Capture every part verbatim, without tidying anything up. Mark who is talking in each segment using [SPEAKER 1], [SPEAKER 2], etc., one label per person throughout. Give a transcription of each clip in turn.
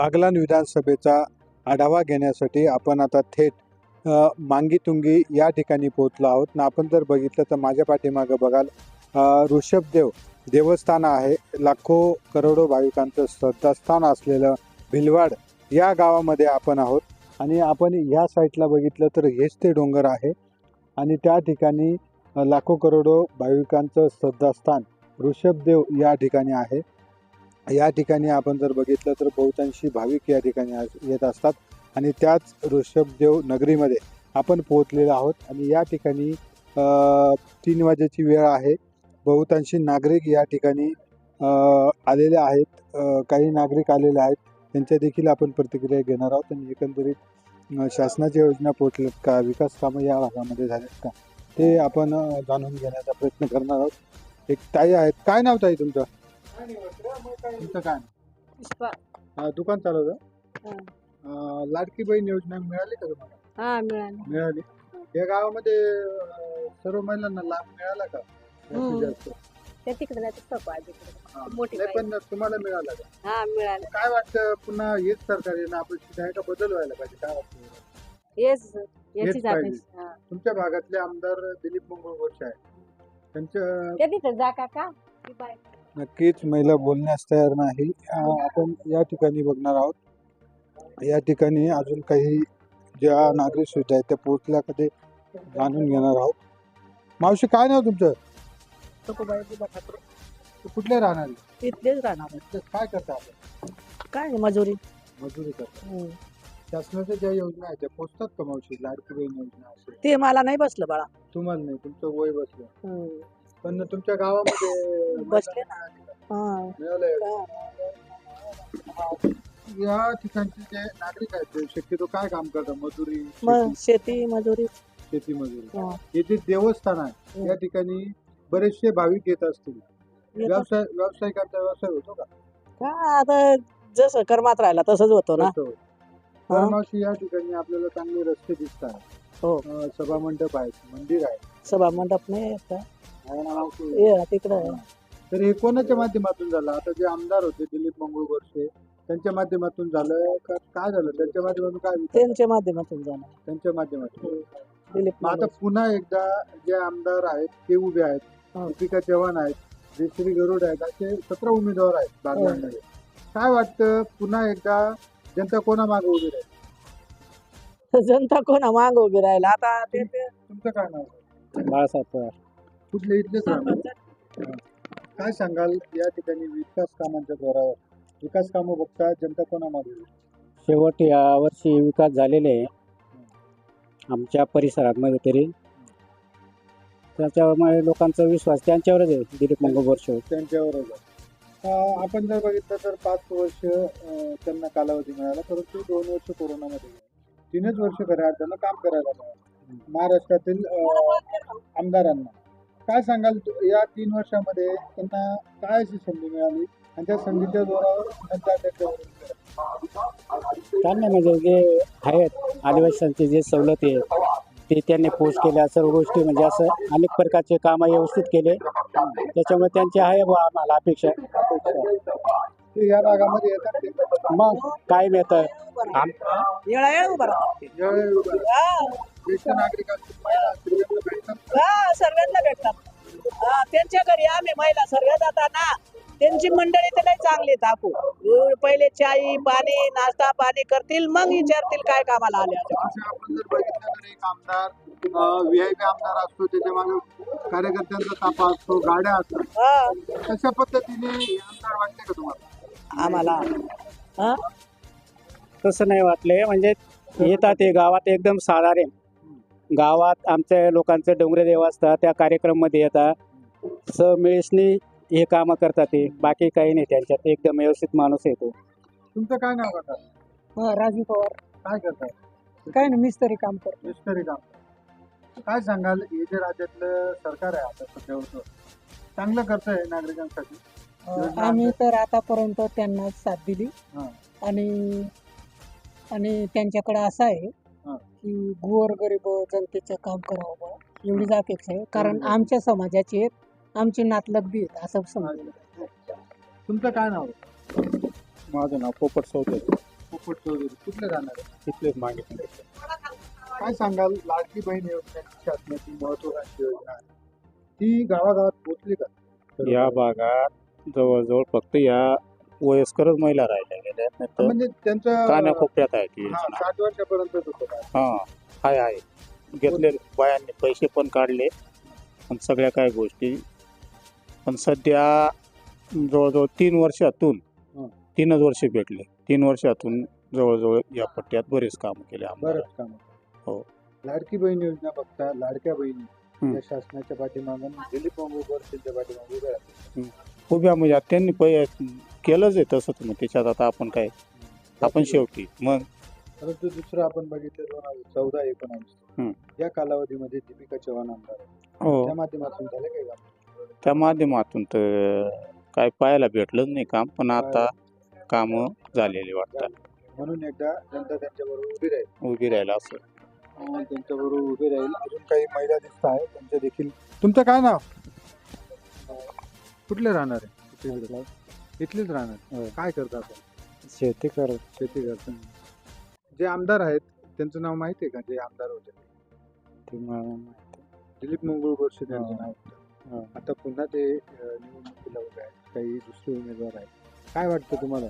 [SPEAKER 1] बागलाण विधानसभेचा आढावा घेण्यासाठी आपण आता थेट अ, मांगीतुंगी या ठिकाणी पोहोचलो आहोत ना. आपण जर बघितलं तर माझ्या पाठीमागं बघाल अ, ऋषभदेव देवस्थान आहे. लाखो करोडो भाविकांचं श्रद्धास्थान असलेलं भिलवाड या गावामध्ये आपण आहोत आणि आपण ह्या साईडला बघितलं तर हेच ते डोंगर आहे आणि त्या ठिकाणी अ, लाखो करोडो भाविकांचं श्रद्धास्थान ऋषभदेव या ठिकाणी आहे. या ठिकाणी आपण जर बघितलं तर बहुतांशी भाविक या ठिकाणी आज- येत असतात आणि त्याच ऋषभदेव नगरीमध्ये आपण पोहोचलेलो आहोत आणि या ठिकाणी अ, तीन वाजेची वेळ आहे. बहुतांशी नागरिक या ठिकाणी अ, आलेले आहेत. अ, काही नागरिक आलेले आहेत, त्यांच्या देखील आपण प्रतिक्रिया घेणार आहोत आणि एकंदरीत अ, शासनाच्या योजना पोहोचल्यात का, विकास कामं या भागामध्ये झालेत का, ते आपण अ, जाणून घेण्याचा प्रयत्न करणार आहोत. एक ताई आहेत. काय नाव ताई तुमचं? तुमचं काय
[SPEAKER 2] पुष्पा.
[SPEAKER 1] अ, दुकान चालवतं?
[SPEAKER 2] हा.
[SPEAKER 1] अ, लाडकी बहीण योजना मिळाली का तुम्हाला?
[SPEAKER 2] हा मिळाली.
[SPEAKER 1] मिळाली. या गावामध्ये अ, सर्व महिलांना लाभ मिळाला का जास्तीत
[SPEAKER 2] हम्म.
[SPEAKER 1] जास्त?
[SPEAKER 2] त्या तिकडे जायचं सोपं आहे तिकडे.
[SPEAKER 1] हा.
[SPEAKER 2] मोठी
[SPEAKER 1] नाही पण तुम्हाला मिळाला का?
[SPEAKER 2] हा मिळालं.
[SPEAKER 1] काय वाटतं पुन्हा हेच सरकार येणं अपेक्षित आहे का बदल व्हायला पाहिजे? काय वाटतं?
[SPEAKER 2] हेच याची
[SPEAKER 1] हेच पाहिजे.
[SPEAKER 2] जाते. हा.
[SPEAKER 1] तुमच्या भागातले आमदार दिलीप मंगळ गोरसे आहे. त्यांच्या
[SPEAKER 2] त्या तिथे जा काका. ती बाई.
[SPEAKER 1] नक्कीच महिला बोलण्यास तयार नाही. अ, आपण या ठिकाणी बघणार आहोत. या ठिकाणी अजून काही ज्या नागरिक सुविधा आहेत त्या पोहोचल्या का ते जाणून घेणार आहोत. मावशी काय नाव तुमचं?
[SPEAKER 2] सखूबाई बुबा ठाकरे.
[SPEAKER 1] तू कुठले राहणार आहे?
[SPEAKER 2] तिथलेच राहणार.
[SPEAKER 1] इथले काय करता आपण?
[SPEAKER 2] काय नाही, मजुरी.
[SPEAKER 1] मजुरी करता.
[SPEAKER 2] हम्म.
[SPEAKER 1] शासनाच्या ज्या योजना आहेत त्या पोहोचतात का मावशी? लाडकी बहीण योजना असेल.
[SPEAKER 2] ते मला नाही बसलं बाळा.
[SPEAKER 1] तुम्हाला नाही, तुमचं वय बसलं.
[SPEAKER 2] हम्म.
[SPEAKER 1] पण तुमच्या गावामध्ये
[SPEAKER 2] बसले ना. हा.
[SPEAKER 1] मिळालंय. या ठिकाणचे जे नागरिक आहेत ते शक्यतो काय काम करतात? मजुरी,
[SPEAKER 2] मग
[SPEAKER 1] शेती-
[SPEAKER 2] शेती मजुरी.
[SPEAKER 1] शेती मजुरी.
[SPEAKER 2] हा.
[SPEAKER 1] येथे देवस्थान आहे, या ठिकाणी बरेचसे भाविक येत असतील.
[SPEAKER 2] येतात.
[SPEAKER 1] व्यवसाय व्यावसायिकांचा व्यवसाय होतो का?
[SPEAKER 2] का आता जसं कर्मात राहिला तसंच होतो ना.
[SPEAKER 1] होतो. तर मावशी या ठिकाणी आपल्याला चांगले रस्ते दिसतात.
[SPEAKER 2] हो.
[SPEAKER 1] अं, सभा मंडप आहेत, मंदिर आहे.
[SPEAKER 2] सभा मंडप नाही येत.
[SPEAKER 1] आहे ना मावशी?
[SPEAKER 2] ये तिकडं.
[SPEAKER 1] तर हे कोणाच्या माध्यमातून झालं? आता जे आमदार होते दिलीप मंगळ गोरसे त्यांच्या माध्यमातून झालं का काय झालं? त्यांच्या माध्यमातून काय विकास?
[SPEAKER 2] त्यांच्या माध्यमातून जाणार.
[SPEAKER 1] त्यांच्या माध्यमातून.
[SPEAKER 2] दिलीप
[SPEAKER 1] मग आता
[SPEAKER 2] माने.
[SPEAKER 1] पुन्हा एकदा जे आमदार आहेत ते उभे आहेत.
[SPEAKER 2] हो.
[SPEAKER 1] दीपिका चव्हाण आहेत, जयश्री गरुड आहेत, असे सतरा उमेदवार आहेत बागलाणमध्ये. काय वाटतं पुन्हा एकदा जनता कोणा मागे उभी राहील?
[SPEAKER 2] जनता कोणा माग उभी राहिला आता ते ते
[SPEAKER 1] तुमचं काय नाव आहे?
[SPEAKER 2] बाळासाहेब पवार.
[SPEAKER 1] कुठले इथलेच राहणार? काय सांगाल या ठिकाणी विकास कामांच्या जोरावर विकास कामं बघता जनता कोणा मागे उभी राहील?
[SPEAKER 3] शेवट या वर्षी विकास झालेले आहे आमच्या परिसरामध्ये तरी. त्याच्यामुळे लोकांचा विश्वास त्यांच्यावरच आहे, दिलीप मंगळ गोरसे.
[SPEAKER 1] त्यांच्यावरच आहे. अं, आपण जर बघितलं तर पाच वर्ष अं, त्यांना कालावधी मिळाला, परंतु दोन वर्ष कोरोनामध्ये गेले. तीनच वर्ष खऱ्या अर्थानं काम करायला मिळालं महाराष्ट्रातील अं, आमदारांना. काय सांगाल तु- या तीन वर्षामध्ये त्यांना काय अशी संधी मिळाली आणि त्या संधीच्या जोरावर जनता त्यांच्यावर उभी राहिली?
[SPEAKER 3] त्यांनी म्हणजे जे आहेत आदिवासींचे जे सवलती आहे ते त्यांनी पोस्ट केल्या, सर्व गोष्टी म्हणजे असं अनेक प्रकारचे कामं व्यवस्थित केले. त्याच्यामुळे त्यांची आहे बुवा आम्हाला अपेक्षा.
[SPEAKER 1] ते या भागामध्ये येतात ते
[SPEAKER 3] मग कायम येतं आम
[SPEAKER 2] येळा येळ उभा राहतात.
[SPEAKER 1] ज्यावेळी उभं राहतात. ज्येष्ठ नागरिक असतील, महिला असतील, त्यांना भेटतात.
[SPEAKER 2] हा सर्वांना भेटतात. हा, त्यांच्या घरी आम्ही महिला सर्व जाताना त्यांची मंडळी तर नाही चांगली टाकू. पहिले चाई पाणी नाश्ता पाणी करतील, मग विचारतील काय कामाला आले.
[SPEAKER 1] असं आपण जर बघितलं तर एक आमदार व्ही आय पी आमदार असतो, त्याच्या मागे कार्यकर्त्यांचा ताफा असतो, गाड्या असतात.
[SPEAKER 2] हा
[SPEAKER 1] कशा पद्धतीने हे आमदार वाटते का तुम्हाला?
[SPEAKER 2] आम्हाला हा
[SPEAKER 3] तसं नाही वाटले. म्हणजे येतात ते गावात एकदम साधारण. गावात आमच्या लोकांचे डोंगरे देव असतात, त्या कार्यक्रममध्ये येतात समिळीसनी हे कामं करतात. ते बाकी काही नाही त्यांच्यात. एकदम व्यवस्थित माणूस येतो.
[SPEAKER 1] तुमचं काय नाव करतात?
[SPEAKER 2] हा, राजू पवार.
[SPEAKER 1] काय करतात?
[SPEAKER 2] काय नाही मिस्त्री काम करतो.
[SPEAKER 1] मिस्टरी काम. काय सांगाल हे जे राज्यातलं सरकार आहे आता सध्या होतं, चांगलं करतंय नागरिकांसाठी? योजना
[SPEAKER 4] आम्ही तर आतापर्यंत त्यांना साथ दिली
[SPEAKER 1] हां.
[SPEAKER 4] आणि आणि त्यांच्याकडे असं आहे
[SPEAKER 1] हां.
[SPEAKER 4] की गोरगरीब जनतेचं काम करावं बा एवढीच अपेक्षा आहे. कारण
[SPEAKER 1] बरोबर.
[SPEAKER 4] आमच्या समाजाचे आहेत, आमची नातलग बी आहेत असं समजलं.
[SPEAKER 1] तुमचं काय नाव आहे?
[SPEAKER 5] माझं नाव पोपट सौते.
[SPEAKER 1] पोपट चौधरी कुठले राहणार आहे?
[SPEAKER 3] तिथलेच मागे
[SPEAKER 1] काय सांगाल लाडकी बहीण योजनेची शासनाची महत्वाकांक्षी योजना आहे ती गावागावात पोहोचली का?
[SPEAKER 3] या भागात जवळजवळ फक्त या वयस्करच महिला राहिल्या गेल्या नाही तर
[SPEAKER 1] म्हणजे त्यांचं
[SPEAKER 3] कानाकोपऱ्यात आहे ती
[SPEAKER 1] हा,
[SPEAKER 3] योजना.
[SPEAKER 1] साठ वर्षापर्यंत होतं का?
[SPEAKER 3] हा आहे आहे घेतले बायांनी पैसे पण काढले पण सगळ्या काय गोष्टी पण सध्या जवळजवळ तीन वर्षातून
[SPEAKER 1] हं.
[SPEAKER 3] तीनच वर्ष भेटले तीन वर्षातून जवळजवळ या पट्ट्यात बरेच काम केले आम्हाला.
[SPEAKER 1] बरंच काम
[SPEAKER 3] हो.
[SPEAKER 1] लाडकी बहीण योजना बघता लाडक्या बहिणी
[SPEAKER 3] हं.
[SPEAKER 1] या शासनाच्या पाठीमागून दिलीप मंगळूर त्यांच्या पाठीमागे उभे राहतात.
[SPEAKER 3] उभ्या म्हणजे आता त्यांनी पै केलंच आहे तसं मग त्याच्यात आता आपण काय आपण शेवटी मग
[SPEAKER 1] परंतु दुसरं आपण बघितलं दोन हजार चौदा
[SPEAKER 3] हं.
[SPEAKER 1] एकोणावीस या कालावधीमध्ये दीपिका चव्हाण आमदार आहेत.
[SPEAKER 3] हो
[SPEAKER 1] त्या माध्यमातून झाले काही काम?
[SPEAKER 3] त्या माध्यमातून तर काय पाहायला भेटलंच नाही काम पण आता कामं झालेली वाटतात
[SPEAKER 1] म्हणून एकदा जनता त्यांच्याबरोबर उभी राहील.
[SPEAKER 3] उभी राहायला असं
[SPEAKER 1] अं, त्यांच्याबरोबर उभी राहील. अजून काही महिला दिसत आहे त्यांच्या देखील. तुमचं काय नाव? कुठले राहणार आहे? इथलेच राहणार. काय करता आपण?
[SPEAKER 3] शेती करत
[SPEAKER 1] शेती करता. जे आमदार आहेत त्यांचं नाव माहिती आहे का? जे आमदार होते दिलीप मंगळूर गोडसे त्यांचं नाव होतं. आता पुन्हा ते अं, निवडणुकीला उभे आहेत. काही दुसरे उमेदवार आहेत. काय वाटतं तुम्हाला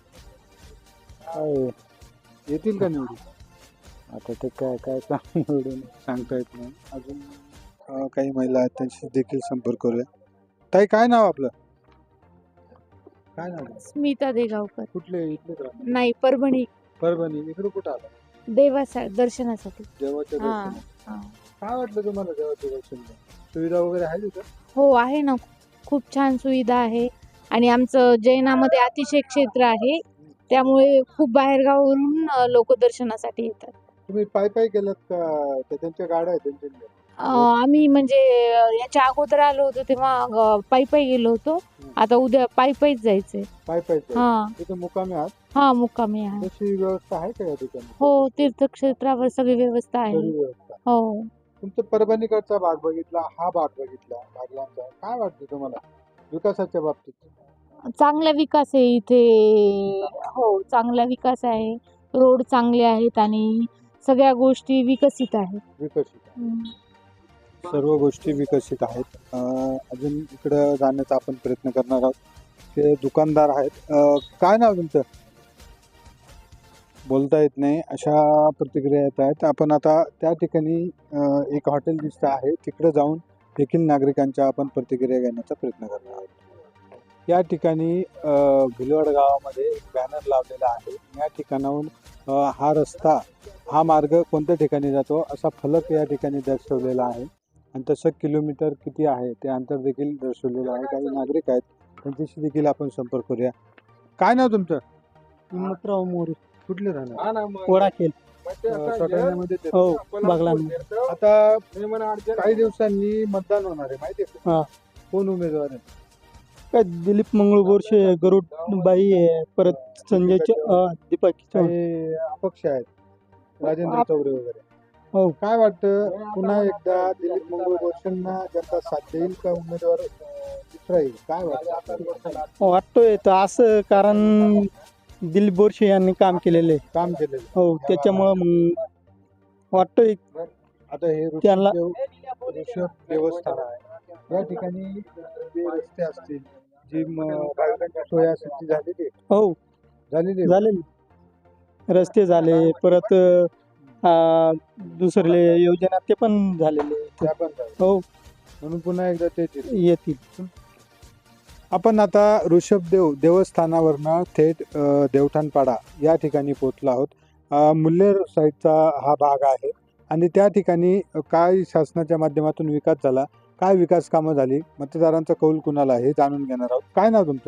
[SPEAKER 3] काय
[SPEAKER 1] येतील का निवडून?
[SPEAKER 3] आता ते काय काय काम निवडून
[SPEAKER 1] सांगता येत नाही. अजून अं, काही महिला आहेत त्यांशी देखील संपर्क करूया. ताई काय नाव आपलं? काय नाव आहे?
[SPEAKER 5] स्मिता देगावकर.
[SPEAKER 1] कुठले इथलेच राहणार?
[SPEAKER 5] नाही, परभणी.
[SPEAKER 1] परभणी. इकडे कुठं आला?
[SPEAKER 5] देवासा दर्शनासाठी.
[SPEAKER 1] देवाच्या
[SPEAKER 5] हा,
[SPEAKER 1] दर्शनाला.
[SPEAKER 5] हा.
[SPEAKER 1] काय वाटलं तुम्हाला देवाच्या दर्शनाला? सुविधा वगैरे आहे तिथं?
[SPEAKER 5] हो आहे ना, खूप छान सुविधा आहे आणि आमचं जैनामध्ये अतिशय क्षेत्र आहे त्यामुळे खूप बाहेरगावावरून लोक दर्शनासाठी येतात.
[SPEAKER 1] तुम्ही पायी पायी गेलात का त्या त्यांच्या गाड्या आहेत त्यांच्या?
[SPEAKER 5] अं, आम्ही म्हणजे अं, याच्या अगोदर आलो होतो तेव्हा अं, पायी पायी गेलो होतो. आता उद्या पायी पायीच जायचंय.
[SPEAKER 1] पायी पायी
[SPEAKER 5] हा
[SPEAKER 1] तिथं मुकामी आहात?
[SPEAKER 5] हा मुक्कामी आहे.
[SPEAKER 1] तशी व्यवस्था आहे का या ठिकाणी?
[SPEAKER 5] हो, तीर्थक्षेत्रावर सगळी व्यवस्था आहे.
[SPEAKER 1] सगळी व्यवस्था.
[SPEAKER 5] हो.
[SPEAKER 1] तुमचं परभणीकडचा भाग बघितला, हा भाग बघितला बागलांचा, काय वाटतं तुम्हाला विकासाच्या बाबतीत?
[SPEAKER 5] चांगला विकास आहे इथे. हो, चांगला विकास आहे. रोड चांगले आहेत आणि सगळ्या गोष्टी विकसित आहेत.
[SPEAKER 1] विकसित
[SPEAKER 5] हम्म.
[SPEAKER 1] सर्व गोष्टी विकसित आहेत. अं, अजून इकडं जाण्याचा आपण प्रयत्न करणार आहोत. ते दुकानदार आहेत. अं, काय नाव तुमचं? बोलता येत नाही अशा प्रतिक्रिया येत आहेत. आपण आता त्या ठिकाणी अं, एक हॉटेल दिसतं आहे तिकडे जाऊन देखील नागरिकांच्या आपण प्रतिक्रिया घेण्याचा प्रयत्न करणार आहोत. या ठिकाणी अं, भिलवड गावामध्ये एक बॅनर लावलेला आहे. या ठिकाणाहून अं, हा रस्ता हा मार्ग कोणत्या ठिकाणी जातो असा फलक या ठिकाणी दर्शवलेला आहे आणि तसं किलोमीटर किती आहे ते अंतर देखील दर्शवलेलं आहे. काही नागरिक आहेत त्यांच्याशी देखील आपण संपर्क करूया. काय नाव तुमचं?
[SPEAKER 3] हिम्मतराव मोरे.
[SPEAKER 1] कुठले राहणार?
[SPEAKER 3] वडाखेल.
[SPEAKER 1] अं, सटाण्यामध्ये ते-
[SPEAKER 3] हो बघला
[SPEAKER 1] आता काही दिवसांनी मतदान होणार आहे माहिती आहे
[SPEAKER 3] हा.
[SPEAKER 1] का? कोण उमेदवार आहे?
[SPEAKER 3] काय दिलीप मंगळ बोरशे गरुड बाई आहे परत संजय दीपक
[SPEAKER 1] काही अपक्ष आहेत राजेंद्र
[SPEAKER 3] आप-
[SPEAKER 1] चौरे वगैरे.
[SPEAKER 3] हो.
[SPEAKER 1] काय वाटतं पुन्हा एकदा दिलीप मंगळ गोरशेंना जनता साथ देईल का उमेदवार अं, दुसरा येईल? काय वाटतं?
[SPEAKER 3] वाटतोय तर असं कारण दिलीप बोरशे यांनी काम केलेले
[SPEAKER 1] काम केलेलं.
[SPEAKER 3] हो त्याच्यामुळं मग वाटतोय
[SPEAKER 1] आता हे
[SPEAKER 3] त्यांना-
[SPEAKER 1] ऋषभ ऋषभ देवस्थान आहे. या ठिकाणी जे रस्ते असतील जी म- भाविकांची सोय असेल ती झालेली आहे?
[SPEAKER 3] हो
[SPEAKER 1] झालेली आहे?
[SPEAKER 3] झाले रस्ते झाले परत अं, दुसरे योजना ते पण झालेले
[SPEAKER 1] त्या पण झाल्या.
[SPEAKER 3] हो
[SPEAKER 1] म्हणून पुन्हा एकदा ते येतील.
[SPEAKER 3] येतील.
[SPEAKER 1] आपण आता ऋषभदेव देवस्थानावरनं थेट अ, देवठाणपाडा या ठिकाणी पोहोचलो आहोत. अ, मुल्हेर साईडचा हा भाग आहे आणि त्या ठिकाणी काय शासनाच्या माध्यमातून विकास झाला, काय विकास कामं झाली, मतदारांचा कौल कुणाला हे जाणून घेणार आहोत. काय नाव तुमचं?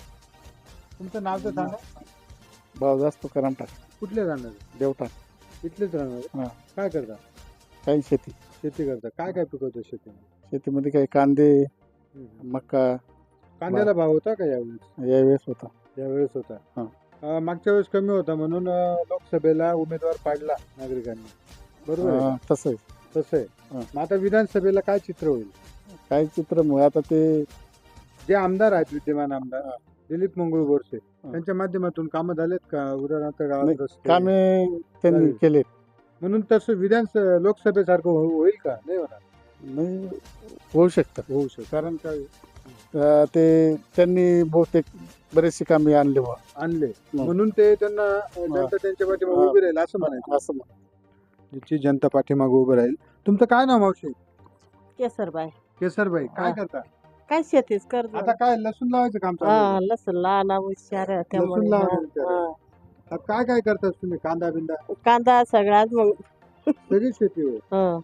[SPEAKER 1] तुमचं नाव तर सांगा.
[SPEAKER 3] भाव जास्त करंट
[SPEAKER 1] कुठले राहणार?
[SPEAKER 3] देवठाण
[SPEAKER 1] इथलेच राहणार?
[SPEAKER 3] हा.
[SPEAKER 1] काय करता?
[SPEAKER 3] काही शेती
[SPEAKER 1] शेती करता. काय काय पिकवतं शेतीमध्ये?
[SPEAKER 3] शेतीमध्ये काही कांदे मका
[SPEAKER 1] कांद्याला भाव होता का यावेळेस?
[SPEAKER 3] यावेळेस होता.
[SPEAKER 1] यावेळेस होता.
[SPEAKER 3] हा.
[SPEAKER 1] अ, मागच्या वेळेस कमी होता म्हणून अ, लोकसभेला उमेदवार पाडला नागरिकांनी, बरोबर आहे?
[SPEAKER 3] अं, तसं आहे.
[SPEAKER 1] तसं आहे.
[SPEAKER 3] हा.
[SPEAKER 1] मग आता विधानसभेला काय चित्र होईल?
[SPEAKER 3] काही चित्र मग आता ते
[SPEAKER 1] जे आमदार आहेत विद्यमान आमदार दिलीप मंगळ बोरसे त्यांच्या माध्यमातून कामं झालेत का उदाहरणार्थ गावात
[SPEAKER 3] नाही,
[SPEAKER 1] रस्ते?
[SPEAKER 3] कामे त्यांनी
[SPEAKER 1] चालेल.
[SPEAKER 3] केले
[SPEAKER 1] म्हणून तसं विधान लोकसभेसारखं हो- होईल का नाही होणार
[SPEAKER 3] नाही होऊ शकतं
[SPEAKER 1] होऊ शकतं कारण काय
[SPEAKER 3] अं, ते त्यांनी बहुतेक बरेचसे कामे आणले बुवा.
[SPEAKER 1] आणले म्हणून ते त्यांना अ, जनता त्यांच्या पाठीमागे
[SPEAKER 3] हा.
[SPEAKER 1] उभी राहील असं म्हणायचं
[SPEAKER 3] असं म्हण.
[SPEAKER 1] ज्याची जनता पाठीमागे उभं राहील. तुमचं काय नाव मावशी?
[SPEAKER 4] केसरबाई
[SPEAKER 1] केसरबाई काय
[SPEAKER 4] हा.
[SPEAKER 1] करता
[SPEAKER 4] काय शेतीच करत
[SPEAKER 1] आता काय लसूण लावायचं काम चालू आहे?
[SPEAKER 4] हा लसूण लहान हुशार आहे त्यामुळे
[SPEAKER 1] लसूण लावणं
[SPEAKER 4] हा,
[SPEAKER 1] हुशार आहे.
[SPEAKER 4] हा.
[SPEAKER 1] आता काय काय करतात तुम्ही कांदा बिंदा
[SPEAKER 4] कांदा सगळ्यात मग
[SPEAKER 1] सगळी शेती होय
[SPEAKER 4] हा.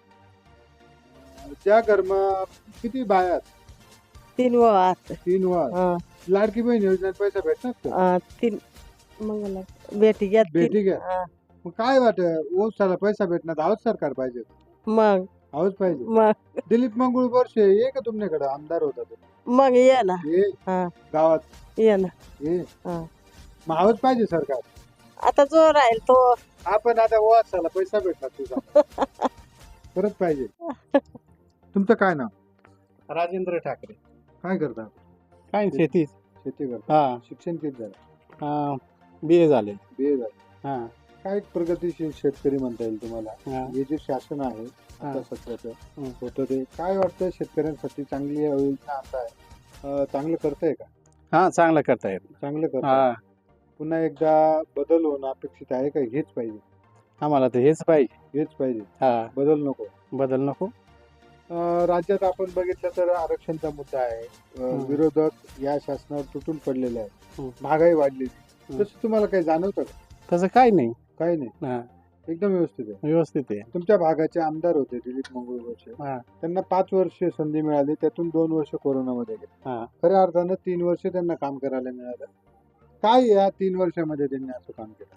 [SPEAKER 1] त्या घरमा किती बायात
[SPEAKER 4] तीन वात
[SPEAKER 1] तीन वार लाडकी बहीण योजनेत पैसा भेटणार का?
[SPEAKER 4] तीन मग बेटी घ्या तीन.
[SPEAKER 1] भेटी घ्या
[SPEAKER 4] हा.
[SPEAKER 1] मग काय वाटत ओसाला पैसा भेटणार आहोत सरकार पाहिजे
[SPEAKER 4] मग
[SPEAKER 1] आहोत पाहिजे
[SPEAKER 4] मग
[SPEAKER 1] दिलीप मंगळ बोरसे ये का तुमच्याकडे आमदार होता तो
[SPEAKER 4] मग ये ना
[SPEAKER 1] ये
[SPEAKER 4] हा.
[SPEAKER 1] गावात
[SPEAKER 4] ये ना
[SPEAKER 1] ये
[SPEAKER 4] हा.
[SPEAKER 1] मग आहोत पाहिजे सरकार
[SPEAKER 4] आता जो राहील तो
[SPEAKER 1] आपण आता ओसाला पैसा भेटणार तुझा परत पाहिजे तुमचं काय नाव?
[SPEAKER 3] राजेंद्र ठाकरे
[SPEAKER 1] काय करता?
[SPEAKER 3] काय शेती
[SPEAKER 1] शेती करता
[SPEAKER 3] हा
[SPEAKER 1] शिक्षण किती झालं?
[SPEAKER 3] बी ए झाले
[SPEAKER 1] बी ए झालं
[SPEAKER 3] हा
[SPEAKER 1] काय प्रगतीशील शेतकरी म्हणता येईल तुम्हाला
[SPEAKER 3] हा.
[SPEAKER 1] हे जे शासन आहे आता
[SPEAKER 3] हा.
[SPEAKER 1] सध्याचं
[SPEAKER 3] हं.
[SPEAKER 1] होतं ते काय वाटतं शेतकऱ्यांसाठी चांगली योजना आता आहे अं, चांगलं करताय का?
[SPEAKER 3] हा चांगलं करता येत
[SPEAKER 1] चांगलं करताय
[SPEAKER 3] हा
[SPEAKER 1] पुन्हा एकदा बदल होणं अपेक्षित आहे का हेच पाहिजे
[SPEAKER 3] आम्हाला तर हेच पाहिजे
[SPEAKER 1] हेच पाहिजे
[SPEAKER 3] हा
[SPEAKER 1] बदल नको?
[SPEAKER 3] बदल नको
[SPEAKER 1] अं, राज्यात आपण बघितलं तर आरक्षणचा मुद्दा आहे अं,
[SPEAKER 3] हं.
[SPEAKER 1] विरोधक या शासनावर तुटून पडलेले आहेत
[SPEAKER 3] हं.
[SPEAKER 1] महागाई वाढली
[SPEAKER 3] हं.
[SPEAKER 1] तसं तुम्हाला काही जाणवतं का?
[SPEAKER 3] तसं काही नाही
[SPEAKER 1] काही नाही
[SPEAKER 3] हा
[SPEAKER 1] एकदम व्यवस्थित आहे.
[SPEAKER 3] व्यवस्थित आहे
[SPEAKER 1] तुमच्या भागाचे आमदार होते दिलीप मंगळ बोरसे
[SPEAKER 3] हा.
[SPEAKER 1] त्यांना पाच वर्ष संधी मिळाली त्यातून दोन वर्ष कोरोनामध्ये गेले
[SPEAKER 3] हा.
[SPEAKER 1] खऱ्या अर्थानं तीन वर्ष त्यांना काम करायला मिळालं काय या तीन वर्षामध्ये त्यांनी असं काम केलं?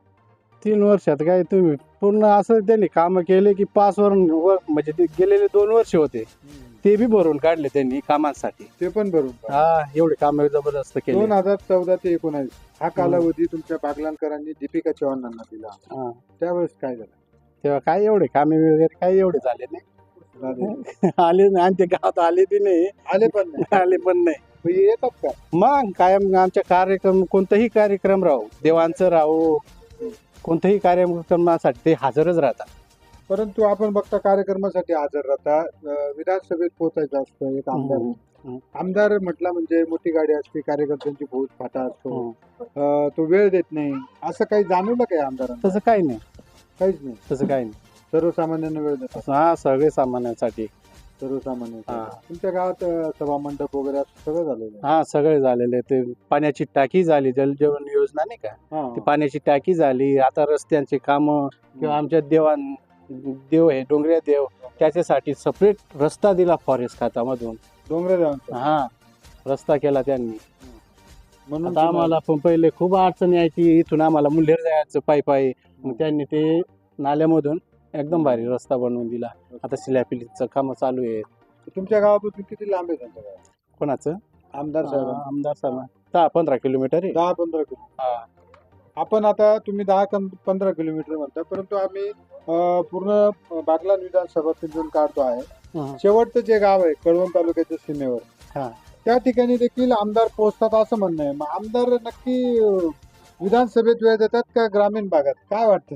[SPEAKER 3] तीन वर्षात काय तुम्ही पूर्ण असं त्यांनी काम केले की पाच वर वर- म्हणजे ते गेलेले दोन वर्ष होते ते बी भरून काढले त्यांनी कामांसाठी
[SPEAKER 1] ते पण बरोबर
[SPEAKER 3] हा एवढे काम जबरदस्त केले
[SPEAKER 1] दोन हजार चौदा ते एकोणावीस हा कालावधी तुमच्या बागलांकरांनी दीपिका चव्हाणांना दिला
[SPEAKER 3] हा.
[SPEAKER 1] त्यावेळेस काय झालं?
[SPEAKER 3] तेव्हा काय एवढे कामे वगैरे काही एवढे झाले नाही
[SPEAKER 1] झाले.
[SPEAKER 3] आले नाही आणि ते गावात आले बी नाही
[SPEAKER 1] आले पण नाही
[SPEAKER 3] आले पण नाही
[SPEAKER 1] मग हे येतात का?
[SPEAKER 3] मग कायम आमच्या कार्यक्रम कोणताही कार्यक्रम राहू देवांचं राहू कोणत्याही कार्यक्रमासाठी ते हजरच राहतात
[SPEAKER 1] परंतु आपण बघता कार्यक्रमासाठी हजर राहता अं, विधानसभेत पोहोचायचं असतं एक आमदार
[SPEAKER 3] हम्म. हम्म.
[SPEAKER 1] आमदार म्हटलं म्हणजे मोठी गाडी असते कार्यकर्त्यांची फौज फाटा असतो
[SPEAKER 3] हम्म.
[SPEAKER 1] अं, तो वेळ देत नाही असं काही जाणवलं काय आमदारांना?
[SPEAKER 3] तसं काही नाही
[SPEAKER 1] काहीच नाही
[SPEAKER 3] तसं काही नाही
[SPEAKER 1] सर्वसामान्यांना वेळ देतात
[SPEAKER 3] तसं हा सगळे सामान्यांसाठी
[SPEAKER 1] सर्वसामान्य
[SPEAKER 3] हा.
[SPEAKER 1] तुमच्या गावात अं, सभा मंडप वगैरे असं सगळं झालेलं आहे.
[SPEAKER 3] हा सगळे झालेले ते पाण्याची टाकी झाली जलजीवन योजना नाही का
[SPEAKER 1] हा.
[SPEAKER 3] ती पाण्याची टाकी झाली आता रस्त्यांची कामं किंवा आमच्या देवान देव आहे डोंगऱ्या देव त्याच्यासाठी सेपरेट रस्ता दिला फॉरेस्ट खात्यामधून
[SPEAKER 1] डोंगरगावांचं.
[SPEAKER 3] हा रस्ता केला त्यांनी
[SPEAKER 1] म्हणून
[SPEAKER 3] आता आम्हाला पण पहिले खूप अडचण यायची इथून आम्हाला मुल्हेर जायचं पायी पायी मग त्यांनी ते नाल्यामधून एकदम भारी रस्ता बनवून दिला आता सिल्यापिलीचं काम चालू आहे
[SPEAKER 1] तुम्हाला- तुमच्या गावापासून किती लांब आहे त्यांच्या गाव?
[SPEAKER 3] कोणाचं
[SPEAKER 1] आमदार साहेब
[SPEAKER 3] हा, आमदार साहेब दहा पंधरा किलोमीटर आहे
[SPEAKER 1] दहा पंधरा किलोमीटर
[SPEAKER 3] हा.
[SPEAKER 1] आपण आता तुम्ही दहा कं- पंधरा किलोमीटर म्हणता परंतु आम्ही अं, पूर्ण बागलाण विधानसभा पिंजून काढतो आहे
[SPEAKER 3] हं.
[SPEAKER 1] शेवटचं जे गाव आहे कळवण तालुक्याच्या सीमेवर
[SPEAKER 3] हा.
[SPEAKER 1] त्या ठिकाणी देखील आमदार पोहोचतात असं म्हणणं आहे मग आमदार नक्की अं, विधानसभेत वेळ देतात का ग्रामीण भागात काय वाटतं?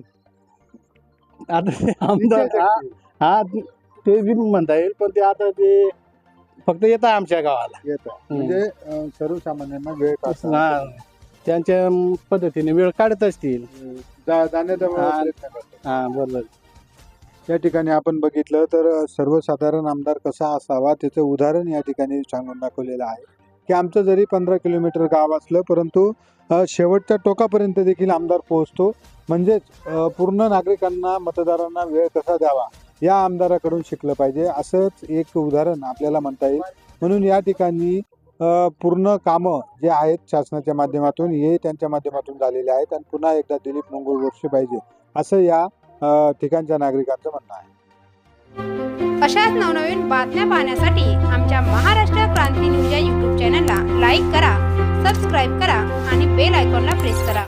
[SPEAKER 3] आता ते आमदार हा हा ते बी म्हणता येईल पण ते आता ते फक्त येत आहे आमच्या गावाला
[SPEAKER 1] येतं म्हणजे अं, सर्वसामान्यांना वेळ काढतात.
[SPEAKER 3] हा, त्यांच्या पद्धतीने वेळ काढत असतील
[SPEAKER 1] जा- जाण्याचा
[SPEAKER 3] हा.
[SPEAKER 1] प्रयत्न करतात.
[SPEAKER 3] हा बरोबर
[SPEAKER 1] या ठिकाणी आपण बघितलं तर सर्वसाधारण आमदार कसा असावा त्याचं उदाहरण या ठिकाणी सांगून दाखवलेलं आहे की आमचं जरी पंधरा किलोमीटर गाव असलं परंतु अ, शेवटच्या टोकापर्यंत देखील आमदार पोहोचतो म्हणजेच अ, पूर्ण नागरिकांना मतदारांना वेळ कसा द्यावा या आमदाराकडून शिकलं पाहिजे असंच एक उदाहरण आपल्याला म्हणता येईल म्हणून या ठिकाणी अ, पूर्ण कामं जे आहेत शासनाच्या माध्यमातून हे त्यांच्या माध्यमातून झालेले आहेत आणि पुन्हा एकदा दिलीप मंगळ बोरसे पाहिजे असं या अ, ठिकाणच्या नागरिकांचं म्हणणं आहे.
[SPEAKER 6] अशाच नवनवीन बातम्या पाहण्यासाठी आमच्या महाराष्ट्र क्रांती न्यूज या यूट्यूब चॅनलला लाईक करा, सबस्क्राईब करा आणि बेल आयकॉनला प्रेस करा.